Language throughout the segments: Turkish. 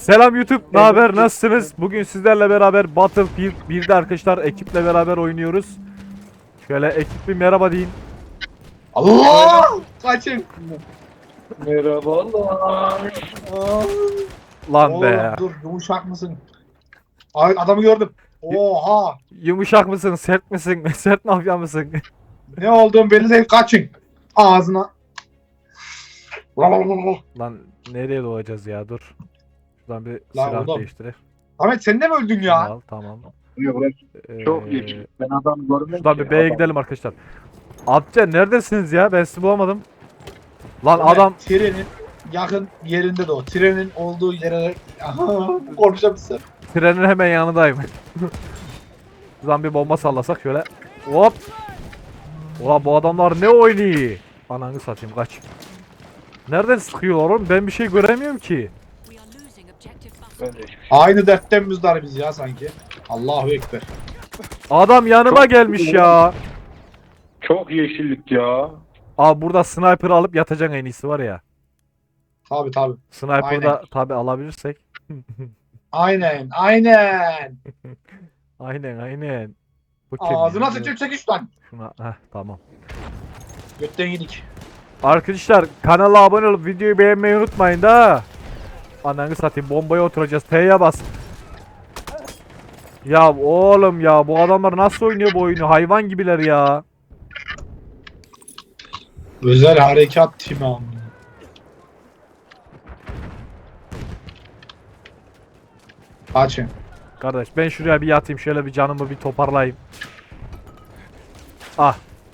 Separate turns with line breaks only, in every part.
Selam YouTube, ne haber? Nasılsınız? Bugün sizlerle beraber Battlefield 1'de arkadaşlar ekiple beraber oynuyoruz. Şöyle ekip bir merhaba deyin.
Allah! Kaçın.
Merhabalar.
Aa,
Lan
oğlum
be.
dur yumuşak mısın? Ay adamı gördüm. Oha!
Yumuşak mısın? Sert misin? Sert mafya mısın?
Ne olduğum belli değil, kaçın. Ağzına.
Lan nereye doğacağız ya? Dur. Şuradan bir
Lan
silah
oğlum.
değiştireyim.
Ahmet sen de mi öldün ya?
Al, tamam.
Çok
Ee,
iyi. Ben adam görmedim
Şuradan
ki.
bir B'ye
Adam-
gidelim arkadaşlar. Abce neredesiniz ya? Ben sizi bulamadım. Lan
Ahmet,
adam
trenin yakın yerinde de o. Trenin olduğu yere... Aha, konuşabilsem.
trenin hemen yanındayım. Şuradan bir bomba sallasak şöyle. Hop. Ulan bu adamlar ne oynuyor? Ananı satayım kaç. Nereden sıkıyorlar oğlum? Ben bir şey göremiyorum ki.
Ben de hiçbir şey.
Aynı dertten müzdar biz ya sanki. Allahu Ekber.
Adam yanıma
Çok
gelmiş
iyi.
ya.
Çok yeşillik ya.
Abi burada sniper alıp yatacaksın en iyisi var ya.
Tabi tabi.
Sniper'da tabi alabilirsek.
Aynen aynen.
Aynen. Bu kim
Ağzına
ya?
sıçıp çekiş lan.
Şuna tamam.
Götten yedik.
Arkadaşlar kanala abone olup videoyu beğenmeyi unutmayın da. Ananı satayım bombaya oturacağız. T'ye bas. Ya oğlum ya bu adamlar nasıl oynuyor bu oyunu? Hayvan gibiler ya.
Özel harekat timi amına. Kaçın.
Kardeş ben şuraya bir yatayım şöyle bir canımı bir toparlayayım. Ah.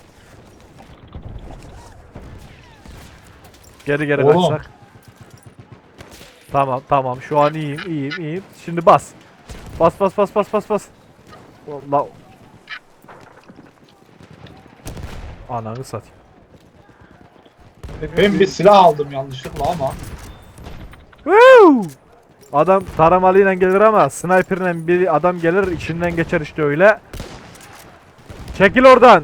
Geri
Oğlum.
kaçsak. Tamam şu an iyiyim. Şimdi bas. Bas. La. Ananı satayım.
Ben bir silah aldım yanlışlıkla ama.
Woo! Adam taramalıyla gelir ama sniper'la bir adam gelir içinden geçer işte öyle. Çekil oradan.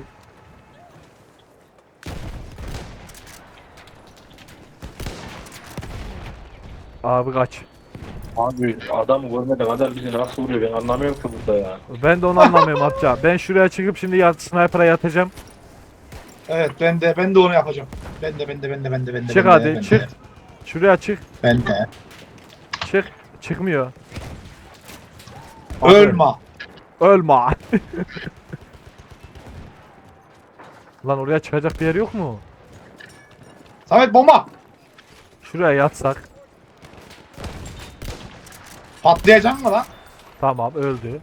Abi kaç.
Abi adam görmeden adam bizi nasıl vuruyor ben anlamıyorum ki burada ya.
Ben de onu anlamıyorum amca. Ben şuraya çıkıp şimdi sniper'a yatacağım.
Evet ben de onu yapacağım. Ben de.
Çık hadi çık. Şuraya çık.
Ben de.
Çık. Çıkmıyor.
Ölme.
Ölme. Lan oraya çıkacak bir yer yok mu?
Samet bomba.
Şuraya yatsak.
Patlayacak mı lan?
Tamam öldü.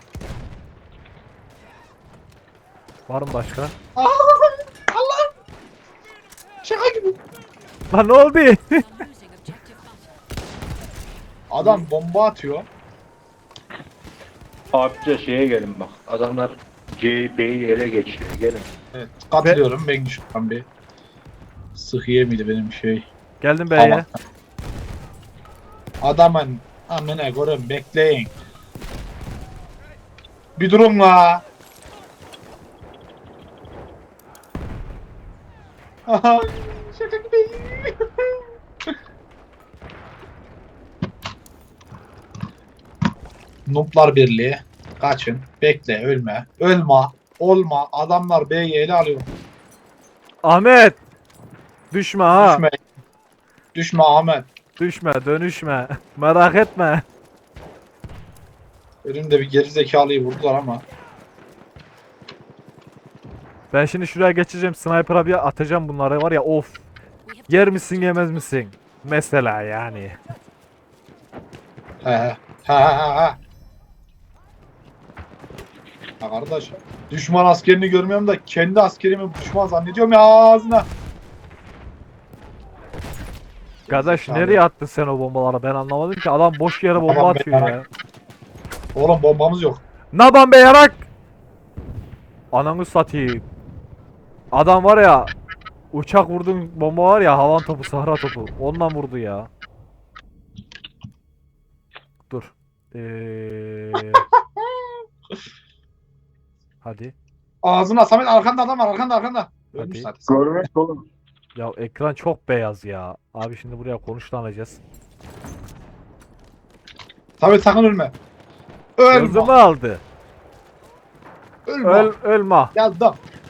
Var mı başka?
Aa, Allah. Şaka gibi.
Lan ne oldu?
Adam bomba atıyor.
Abice şeye gelin bak. Adamlar B'yi ele geçiyor. Gelin.
Evet katılıyorum ben şuradan bir. Sıhhiye miydi benim şey?
Geldim B'ye.
Adamın amına koyayım bekleyin. Bir durun la. Aha, şaka gibi. Nuplar Birliği. Kaçın. Bekle. Ölme. Ölme. Olma. Adamlar B'yi ele alıyor.
Ahmet. Düşme ha.
Düşme. Düşme Ahmet.
Düşme, dönüşme. Merak etme.
Önümde bir geri zekalıyı vurdular ama.
Ben şimdi şuraya geçeceğim. Sniper'a bir atacağım bunları var ya of. Yer misin yemez misin? Mesela yani.
He he. Ha kardeş. Düşman askerini görmüyorum da kendi askerimi düşman zannediyorum ya ağzına.
Kardeş
Zekalı.
nereye attın sen o bombaları? Ben anlamadım ki. Adam boş yere bomba
Tamam,
atıyor
ben-
ya.
Oğlum bombamız yok.
Naban be yarak! Ananı satayım. Adam var ya. Uçak vurdun bomba var ya havan topu sahra topu. Ondan vurdu ya. Dur. Hadi.
Ağzına Samet arkanda adam var arkanda. Ölmüş
Hadi.
zaten.
Görmek oğlum.
Ya ekran çok beyaz ya. Abi şimdi buraya konuşlanacağız.
Samet sakın ölme. Ölme.
Gözümü aldı.
Ölme.
Ölme.
Geldim.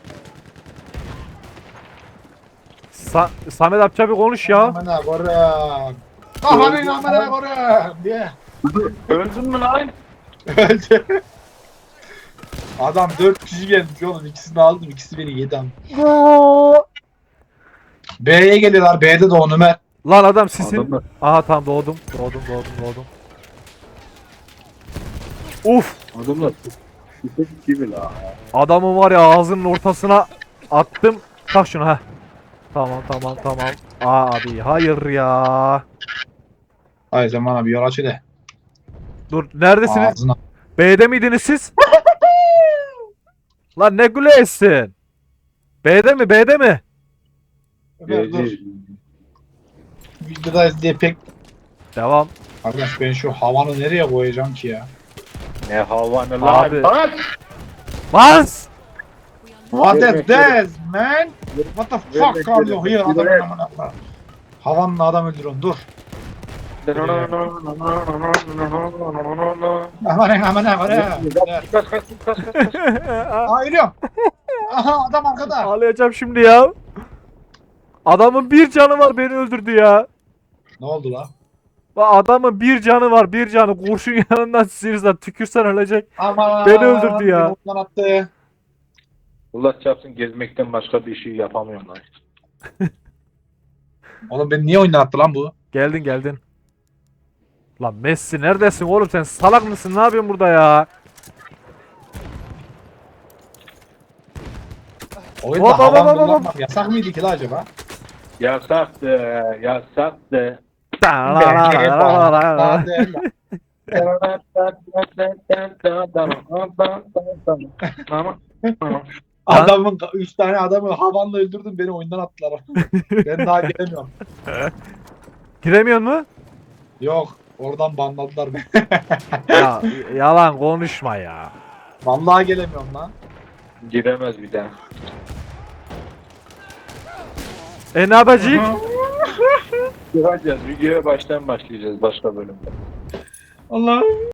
Samet amca bir konuş ya.
Amına koyayım. Kafanın amına koyayım diye.
Öldün mü lan?
Öldü. Adam 4 kişi gelmiş oğlum. İkisini aldım. İkisi beni yedi am. B'ye geliyorlar. B'de de onu Ömer.
Lan adam sisin.
Adamlar.
Aha tamam doğdum. Uf.
Adamlar. Küçük gibi la.
Adamın var ya ağzının ortasına attım. Tak şunu ha. Tamam. Abi hayır ya.
Hayır sen bana bir yol aç de.
Dur neredesiniz?
Ağzına.
B'de miydiniz siz? Lan ne gülesin? B'de mi?
Ömer dur. Videodayız diye pek...
Devam.
Arkadaş ben şu havanı nereye koyacağım ki ya?
Ne hava ne
Abi.
lan?
Bas!
What
Verme,
is this man? What the fuck are you here?
verme.
Adamın amına koyayım. Havanla adam öldürüyorsun dur. Amına koyayım.
Kaç kaç kaç kaç.
Aa ölüyorum. Aha adam arkada.
Ağlayacağım şimdi ya. Adamın bir canı var beni öldürdü ya.
Ne oldu la?
Bak adamın bir canı var bir canı. Kurşun yanından sıyırsan tükürsen ölecek.
Aman.
Beni öldürdü ya.
beni ondan attı.
Allah çarpsın gezmekten başka bir şey yapamıyorum lan.
Oğlum beni niye oyundan attı lan bu?
Geldin. Lan Messi neredesin oğlum sen salak mısın ne yapıyorsun burada ya?
Oyunda
Hop, hop,
havan
hop, hop,
kullanmak yasak mıydı ki la acaba?
Yasaktı, yasaktı.
Adamın 3 tane adamı havanla öldürdün beni oyundan attılar. Ben daha gelemiyorum.
Giremiyor mu?
Yok oradan banladılar beni.
Ya yalan konuşma ya.
Vallahi gelemiyorum lan.
Giremez bir daha.
Ne yapacağız?
Gireceğiz. Videoya baştan başlayacağız başka bölümde.
Allah.